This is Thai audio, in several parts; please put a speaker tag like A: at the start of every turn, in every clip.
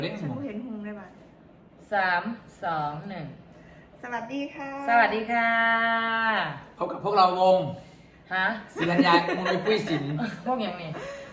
A: ฉันเห็นหงได้ป่ะ
B: 3 2 1
A: สวัสดีค่ะ
B: สวัสดีค่ะ
C: พบกับพวกเราวง
B: ฮะ
C: ศิรัญญามุนปุ้ยสิน
B: พวกอย่างนี้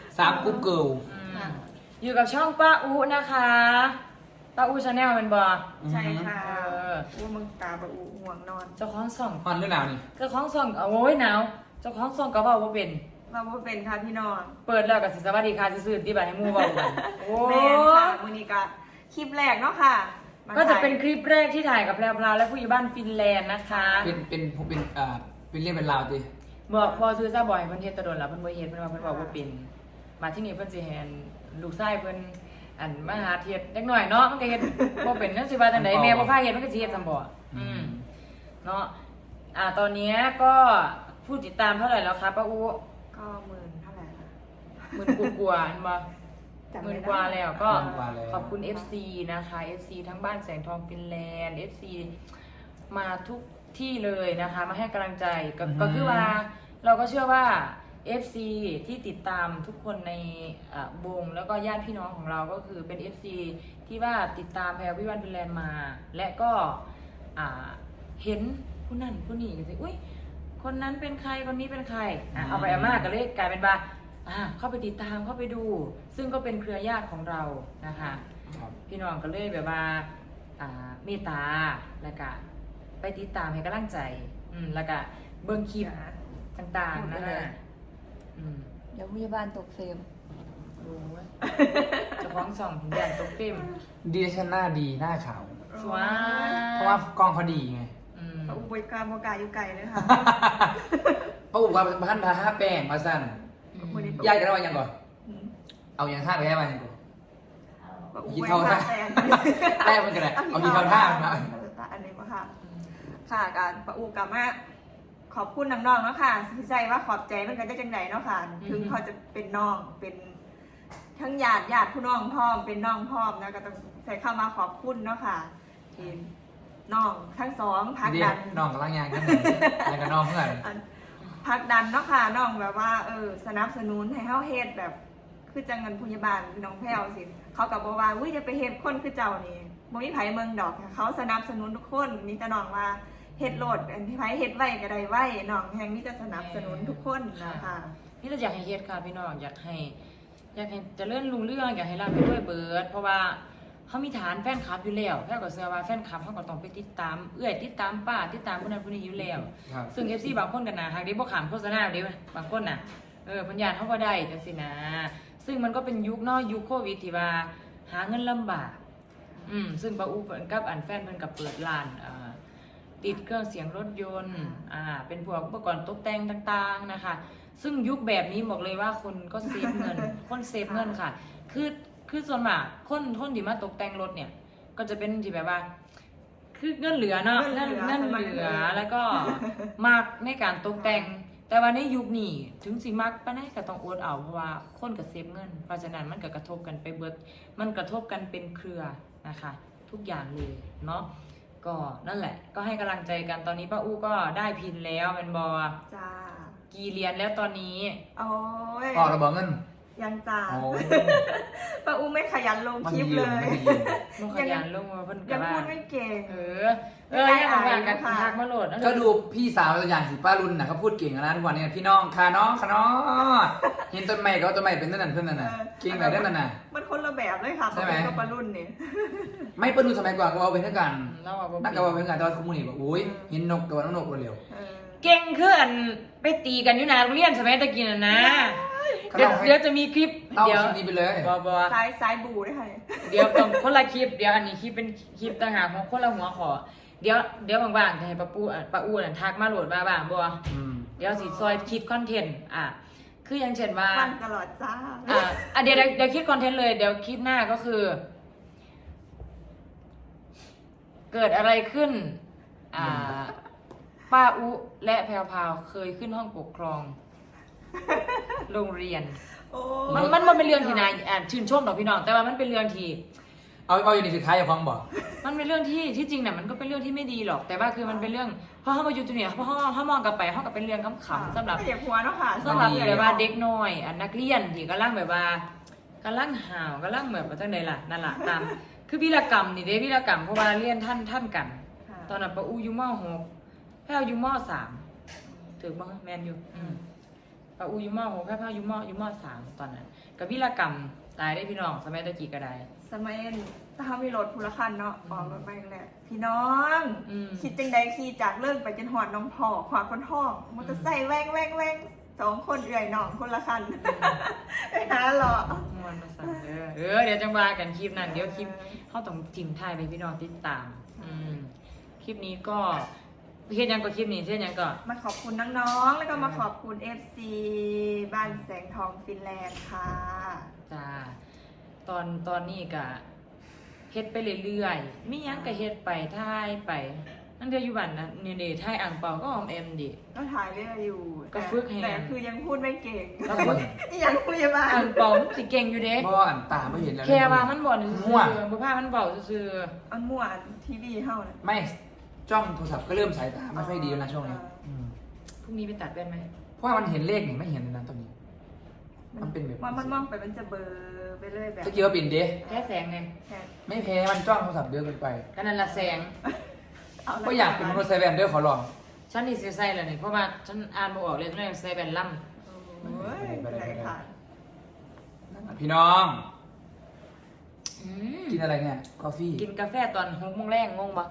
C: 3กุ๊กเกิล
B: อยู่กับช่องป้าอูนะคะป้าอูชาแนลเป็นบอ
A: ใช่ค่ะอูมึงตาบอูห่วงนอน
B: เจ้าของส่อง
C: ฮอนด้วยหนาวนี่
B: เจ้าของส่องโอ้ยหนาวเจ้าของส่องก็บอกว่าเป็น
A: ค่ะพี่น้อง
B: เปิดแล้วกับสวัสดีค่ะซื่อๆที่บ้านให้มูบอกกัน
A: โอ้ค่ะมื้อนี้ก็คลิปแรกเนาะค่ะ
B: ก็จะเป็นคลิปแรกที่ถ่ายกับแพรวและผู้ใหญ่บ้านฟินแลนด์นะคะ
C: เป็นเรื่องเป็นราวดิ
B: บอกซื้อซะบ่อยเพิ่นเฮ็ดตะโดนแล้วเพิ่นบ่เฮ็ดเพิ่นว่าเพิ่นบอกว่าเป็นมาที่นี่เพิ่นสิแฮนลูกชายเพิ่นอันมาหาเฮ็ดเล็กน้อยเนาะมันก็เฮ็ดบ่เป็นจังสิว่าจังได๋แม่บ่พาเฮ็ดมันก็สิเฮ็ดซั่นบ่เนาะตอนนี้ก็ผู้ติดตามเท่าไหร่แล้วคะป้าอู
A: ก็10,000เท่าไหร่ล่ะ
B: 10,000กว่าๆอันบ่10,000 กว่าแล้วก็ขอบคุณ FC นะคะ FC ทั้งบ้านแสงทองฟินแลนด์ FC มาทุกที่เลยนะคะมาให้กำลังใจก็คือว่าเราก็เชื่อว่า FC ที่ติดตามทุกคนในวงแล้วก็ญาติพี่น้องของเราก็คือเป็น FC ที่ว่าติดตามแพรวิวันฟินแลนด์มา และก็เห็นผู้นั่นผู้นี่ก็สิอุ้ยคนนั้นเป็นใครคนนี้เป็นใครเอาไปเอามาก็เลยกลายเป็นว่าเข้าไปติดตามเข้าไปดูซึ่งก็เป็นเครือญาติของเรานะคะพี่น้องก็เลยแบบว่าเมตตาแล้วก็ไปติดตามให้กำลังใจแล้วก็เบิ่งคลิปต่างๆนะคะ
A: เดี๋ยวผู้ใหญ่บ้านตกเฟรม
B: โอ้ยเจ้าของส่องถึงอย่างตกเฟรม
C: ดีชันหน้าดีหน้าขาว
B: สวย
C: เพราะว่ากล้องเขาดีไง
A: ป้าอุบยการโมกาอยู่ไกลเลยค่ะ
C: ป้าอุบว่าบ้านพาห้าแป้งมาสั้นยายจะเอาอย่างก่อนเอาอย่างท่าไปให้มาอย่างก่อนยีเท่าท่าแป้งมันก็ได้เอายีเท่าท่ามา
A: อันนี้มาค่ะค่ะการป้าอูกลับมาขอบคุณน้องๆเนาะค่ะที่ใจว่าขอบใจมันก็จะจังไหนเนาะค่ะถึงเขาจะเป็นน้องเป็นทั้งญาติผู้น้องพ่อมเป็นน้องพ่อมนะก็ต้องใส่เข้ามาขอบคุณเนาะค่ะทีน้องทั้งสองพักดัน
C: น้องกับร่างงานกันแล้วก็น้องเพื่อน
A: พักดันเนาะค่ะน้องแบบว่าสนับสนุนให้เฮาเฮ็ดแบบคือจังเงินพยาบาลพี่น้องแพ้วสิเขากับบอกว่าจะไปเฮ็ดคนคือเจ้านี่บ่มีไผเมืองดอกเขาสนับสนุนทุกคนมีแต่น้องว่าเฮ็ดโหลดอันที่ไผเฮ็ดไว้ก็ได้ไว้น้องแห่งมีแต่สนับสนุนทุกคนนะคะ
B: นี่เราอยากให้เฮ็ดค่ะพี่น้องอยากให้เจริญรุ่งเรืองอยากให้รับไปด้วยเบิดเพราะว่าเขามีฐานแฟนคลับอยู่แล้วแค่ก็เชื่อว่าแฟนคลับเขาก็ต้องไปติดตามติดตามป้าติดตามผู้นั้นผู้นี้อยู่แล้วซึ่ง FC บางคนกันนะหากได้บ่ขามโฆษณาเด้บางคนน่ะปัญญาเขาก็ได้จังซี่นะซึ่งมันก็เป็นยุคเนาะยุคโควิดที่ว่าหาเงินลำบากซึ่งป้าอูกับอันแฟนเพิ่นก็เปิดร้านติดเครื่องเสียงรถยนต์เป็นพวกอุปกรณ์ตกแต่งต่างๆนะคะซึ่งยุคแบบนี้บอกเลยว่าคนก็เซฟเงินคนเซฟเงินค่ะคือส่วนมากคนที่มาตกแต่งรถเนี่ยก็จะเป็นที่แบบว่าคือเงินเหลือเนาะเงินเหลือแล้วก็มากในการตกแต่งแต่ว่าในยุคนี้ถึงสิมักปานใดก็ต้องอดเอาเพราะว่าคนก็เซฟเงินเพราะฉะนั้นมันก็กระทบกันไปเบิดมันกระทบกันเป็นเครือนะคะทุกอย่างเลยเนาะก็นั่นแหละก็ให้กำลังใจกันตอนนี้ป้าอู้ก็ได้พินแล้วเป็นบอ
A: จ้า
B: กี่เหรียญแล้วตอนนี้
A: โอ้ย
C: ออกระเบิดเงิน
A: ยังจ้าป้าอู้ไม่ขยันลงคลิปเลย
B: ขยันลงมาเพิ่น
A: ยังพูดไม่เก่ง
B: ยังทำงานกันทักมาโหลด
C: ก็ดูพี่สาวตัวอย่างสิป้ารุ่นนะเขาพูดเก่งนะทุกวันนี้พี่น้องค่ะน้องเห็นต้นไม้ก็ต้นไม้เป็นนั่นเพื่อนนั่นน่ะเก่งแบบนั้นน่ะ
A: มันคนละแบบเลยค่ะใช่ไหมกับป้ารุ่นนี่
C: ไม่ป้ารุ่นสมัยก่อนก็เอาเป็นเท่ากันนักก็เอาเป็นเท่ากันแต่ว่าทุกมื้อนี้บอกโอ้ยเห็นนกตัวน้องนกเร็ว
B: เก่งขึ้นไปตีกันอยู่นะโรงเรียนสมัยตะกี้นะเดี๋ยวจะมีคลิป
C: เดี๋ยวนี้ไปเลย
B: บอ
A: สายบูได้ค่ะ
B: เดี๋ยวต้องคนละคลิปเดี๋ยวอันนี้คลิปเป็นคลิปต่างหากของคนละหัวขอเดี๋ยวบางๆจะให้ป้าอูน่ะทักมาโหลดมาบ้างบ่เดี๋ยวสิซอยคิดคอนเทนต์คืออย่างเช่นว่า
A: วันตลอดจ้า
B: เดี๋ยวคิดคอนเทนต์เลยเดี๋ยวคลิปหน้าก็คือเกิดอะไรขึ้นป้าอุและแพรวพาวเคยขึ้นห้องปกครองโรงเรียนมันเป็นเรื่องที่นายชื่นชมต่อพี่น้องแต่ว่ามันเป็นเรื่องที่
C: เอาอยู่ในสุดท้ายอย่าฟังบอก
B: มันเป็นเรื่องที่จริงเนี่ยมันก็เป็นเรื่องที่ไม่ดีหรอกแต่ว่าคือมันเป็นเรื่องเพราะเขามาอยู่ตรงนี้เพราะเขามองกลับไปเขากับเป็นเรื่องขำๆสำหรับ
A: เด็กหัวเนาะค่ะ
B: สำหรับแบบว่าเด็กน้อยนักเรียนที่กำลังแบบว่ากำลังห่าวกำลังแบบว่าจังไดล่ะนั่นล่ะตามคือวีรกรรมนี่เด้วีรกรรมเพราะว่าเรียนท่านกัน
A: ค่ะ
B: ตอนนั้นป้าอูอยู่ม.6 แพ้วอยู่ม.3 ถูกบ่แม่นอยู่ป้าอูอยู่ม.6 แพ้วอยู่ม.3 ตอนนั้นก็วีรกรรมตายได้พี่น้องสมัยตะกี้ก็ได้
A: สมัยถ้ามีรถพูละคันเนาะออกรถไปแหละพี่น้อง คิดจังใดขี่จากเลิกไปจนหอดน้องพ่อขวาคนท้องมอเตอร์ไซค์แว่ง2 คนเอื่อยน้องคนละคันไปหาหรอ
B: ม่วนมาสั่นเดี๋ยวจังว่ากันคลิปนั้นเดี๋ยวคลิปเฮาต้องจิ้มท้ายไปพี่น้องติดตามคลิปนี้ก็เฮ็ดหยังก็คลิปนี้เฮ็ดหยังก็
A: มาขอบคุณน้องๆแล้วก็มาขอบคุณ FC บ้านแสงทองฟินแลนด์ค่ะ
B: จ้าตอนนี้ก็เฮ็ดไปเรื่อยๆมีหยังก็เฮ็ดไปถ่ายไปนั่นเดียวอยู่บ้านนะนี่เด้ถ่ายอ่างเปาก็ออมแอมดิ
A: ก็ถ่ายเรื่อยอยู่
B: ก็ฝึกให้
A: แต่คือยังพูดไม่เก่ง
B: ก็ฝึก
A: ยังพยาบาล
B: อ่างเปามันสิเก่งอยู่เด้
C: บ่อันตาไม่เห็นแล้ว
B: แค่ว่ามันบ่ซื่
C: มั่ว
B: อๆบ่พามันเว้าซื่อ
A: อันมั่วทีวีเท่านะ
C: ไม่จ้องโทรศัพท์ก็เริ่มสายตาไม่ค่อยดีแล้วนะช่วงนี้
B: ๆพรุ่งนี้ไปตัดแว่นไหม
C: เพราะว่ามันเห็นเลขนี่ไม่เห็นเลยนะตอนนี้ มันเป็นแบบ
A: ว่ามันมองไปมันจะเบลอไปเรื่อยแบบ
C: จะเกี่ยวกับปิ่นเด้
B: แค่แสงไง
A: แค่
C: ไม่แพ้มันจ้องโทรศัพท์เยอะเกินไป
B: ก็นั่นละแสง
A: เละ
C: ก็อยากเป็นมนุษย์ไซแวนเดอร์ขอลอง
B: ฉันนี่สิใส่แล้วนี่เพราะว่าฉันอ่านบ่ออกเลยฉันเลยใส่แว่นล่ำ
A: โอ้ยไหนค่ะ
C: พี่น้อง
B: อืม
C: กินอะไรเนี่ยกาแฟ
B: กินกาแฟตอน6 โมงแรงงงปะ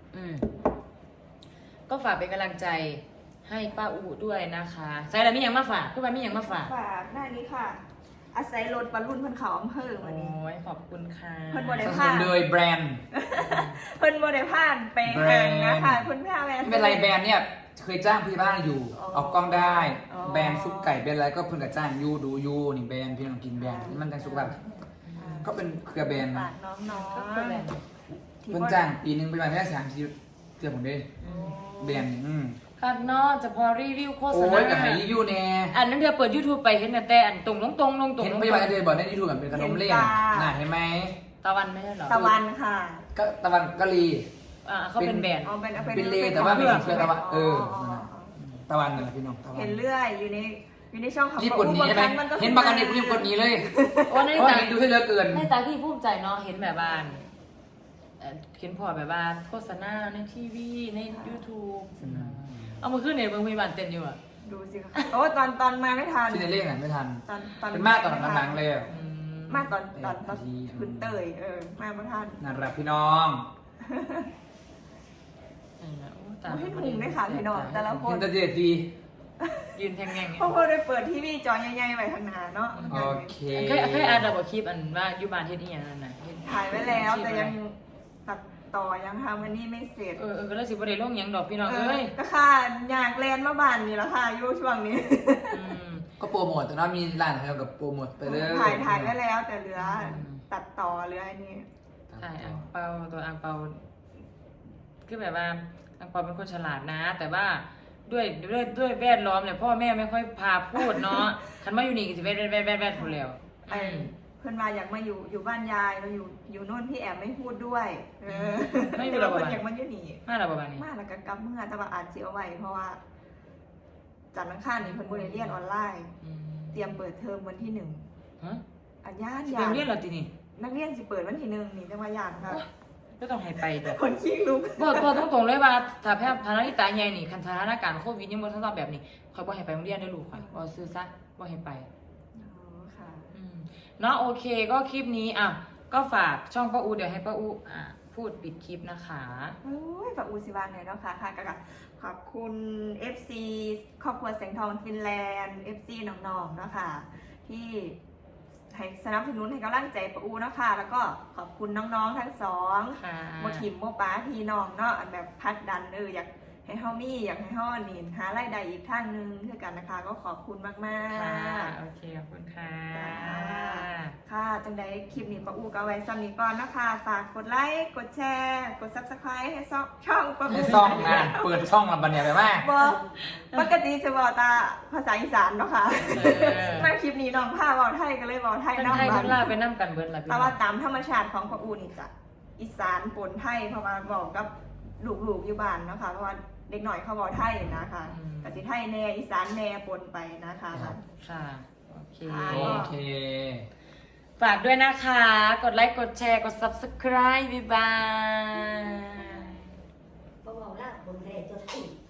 B: ก็ฝากเป็นกำลังใจให้ป้าอูด้วยนะคะใส่แล้วมีอย่างมาฝากคือว่ามีอย่างมาฝาก
A: ฝากหน้านี้ค่ะ อาศัยรถบรรลุนเพิ่นเขาอำเภอวันนี้
B: โอ้ยขอบคุณค่ะ
A: เพิ่นบ่ได้
C: สนับสนุนโดยแบรนด์
A: เพิ่นบ่ได้ผ่านไปห่างนะคะเพิ่นพาแวะ
C: ไม่เป็นไรแบรนด์เนี่ยเคยจ้างพี่บ้านอยู่
A: อ๋อ
C: ออกกล้องได้
A: อ๋อ
C: แบรนด์ซุปไก่เป็นอะไรก็เพิ่นกับจ้างยูดูยูนี่แบรนด์พี่น้องกินแบรนด์นี่มันจังสุขภาพก็เป็นเครือแบรนด์
A: ฝา
C: นะ
A: กน้อง
B: ก็คือแบบ
A: ๆที่
C: เพิ่นจ้างปีนึงไปมาแค่3 ทีเกือบผมได้
A: โอ้
C: แบรนด์นี่
B: ครับเนอกจะพอรีวิวโฆษ
C: โอ้
B: ณาย
C: กับไหนรีวิวแน่
B: อันนั้นเดี๋ยวเปิด YouTube ไปเห็นแต่อันตรงลงตรงลงตรง
C: เห็น
B: ลง
C: พยาบาลเดินบอกในยูทูบแบบเป็นขนมเล่นน่ะเห็นไหม
B: ตะวันไม่ใช่เหรอ
A: ตะวันค่ะ
C: ก็ตะวันกะลี
B: เขาเป็นแบรนด์
A: อ๋อเป็น
C: เป็นเลแต่ว่าไม่เห็นเชื้อตะวัน
A: อ๋อ
C: ตะวันนั่นแหละพี่น้องตะวัน
A: เห็นเรื่อยอยู่ในช่องของ
C: รีบกดหนีใช่ไหม
A: บางครั้ง
C: เห็นบางอันนี้รีบกดหนีเลย
B: โอ้ใน
C: เพราะว่า
B: ตา
C: เห็นดูให้เหลือเกิน
B: ในตาที่ภูมิใจเนาะเห็นแบบว่าเห็นพอแบบว่าโฆษณาในทีวีใน YouTube เอามาขึ้นในโรงพยาบาลเต้นอยู่อ่ะ
A: ดูสิค่ะโอ้ตอนมาไม่ทัน
C: ที่ในเลขไหนไม่ทัน
A: ตอน
C: เป็นมากตอนหลังๆเลย
A: มากตอนขึ้นเตยมาไม่ทัน
C: นั่นแหละพี่น้อง
A: ให้ถุงด้วยค่ะพี่น้องแต่ละค
C: เห็
A: น
C: นแตะเจ็ดที
B: ยืนแทงแง่ง
A: เพราะพอได้เปิดทีวีจอใหญ่ๆไว้ข้างหน้าเนาะ
C: โอเค
B: เคยอ่านระบบคลิปอันว่าอยู่บ้านเฮ็ดอีหยังนั่นน่ะ
A: ถ่ายไว้แล้วแต่ยังตัดต่อยังทำอันนี้ไม่เสร็จ
B: ก็เลยสิบ่ได้ลงหยังดอกพี่น้องเอ้ย
A: ก็ค่ะอยากแลนมาบ้านนี่แหละค่ะอยู่ช่วงนี้
C: ก็โปรโมทแต่ว่ามีร้านอะไรกับโปรโมทไปเลย
A: ถ่ายไว้แล้วแต่เหลือตัดต่อเหลืออันนี้
B: ใช่อังเปาตัวอังเปาคือแบบว่าอังเปาเป็นคนฉลาดนะ แต่ว่าด้วยแวดล้อมเนี่ยพ่อแม่ไม่ค่อยพาพูดเนาะคันมาอยู่นี่ก็สิแวดคนแล้ว
A: เพื่อนมาอยากมาอยู่บ้านยายมาอยู่โน่นพี่แอมไม่พูดด้วย
B: ไม่อยู่
A: แต่
B: หรอ
A: ว่าก เพื่อนอยากมาอยู่นี่
B: มาแล้วประมาณนี้
A: มาแล้วก็กลับเมื่อแต่ว่าอ่านเสียไว้เพราะว่าจันทร์อังคารนี่เพิ่นบ่ได้เรียนออนไลน์ เตรียมเปิดเทอมวันที่1
B: ฮะ
A: อันย่าน
B: สิไปเรียนเหรอทีนี่
A: นักเรียนสิเปิดวันที่1นี่จังว่าย่านค่ะ
B: ก็ต้องให้ไปแต่
A: คนขี้ลุก
B: บอกตรงๆเลยว่าถ้าแพทย์พาณิชย์ตาใหญ่นี่คันสถานการณ์โควิดยังบ่ทันแบบนี้ข่อยบ่ให้ไปโรงเรียนได้ลูกข่อยบ่ซื้อซะบ่ให้ไป
A: อ๋อค่ะ
B: เนาะโอเคก็คลิปนี้อ่ะก็ฝากช่องป้าอูเดี๋ยวให้ป้าอูพูดปิดคลิปนะคะ
A: โอ้ยฝากอูสิบานหน่อยเนาะค่ะก็ขอบคุณ FC ครอบครัวแสงทองฟินแลนด์ FC น้องๆเนาะค่ะที่ให้สนับสนุนให้กำลังใจป้าอูเนาะค่ะแล้วก็ขอบคุณน้องๆทั้งสอง
B: ค่ะ
A: โมทิมโมป้าพี่น้องเนาะอันแบบพักดันอยากให้เฮามีอยากให้เฮานี่หารายได้อีกทางหนึงคือกันนะคะ ก็ขอบคุณมาก
B: ค่ะ
A: ๆ
B: โอเคขอบคุณค่ะ
A: ค่ะจังใดคลิปนี้ป้าอูก็เอาไว้ซ้ำนี้ก่อนนะคะฝากกดไลค์กดแชร์กด Subscribe ให้ช่องป้าอู
C: ในซ่องนะเปิดช่องลำบันเนี่ยไปมาก
A: บ่ปกติจะบอกตาภาษาอีสานเนาะค่ะมาคลิปนี้น้องผ้าเว้าไทยก็เลยเว้าไทย
B: ทั้ง
A: นำ
B: ไทย
A: บั
B: ทั้
A: ด
B: งลาวไปนั่กันเบิร์ดละพี่
A: แต่ว่าตามธรรมชาติของป้าอูนี่จะอีสานปนไทยเพราะว่าบอกกับลูกๆอยู่บ้านเนาะค่ะเพราะว่าเด็กหน่อยเขาบอกไทยนะคะกะสิไทยแน่อีสานแน่ปนไปนะคะ
B: ค่ะโอเค
C: โอเค
B: ฝากด้วยนะคะ กดไลค์ กดแชร์ กด subscribe บ๊ายบาย
D: เพราะว่าล่าบนทะเลตัวไทย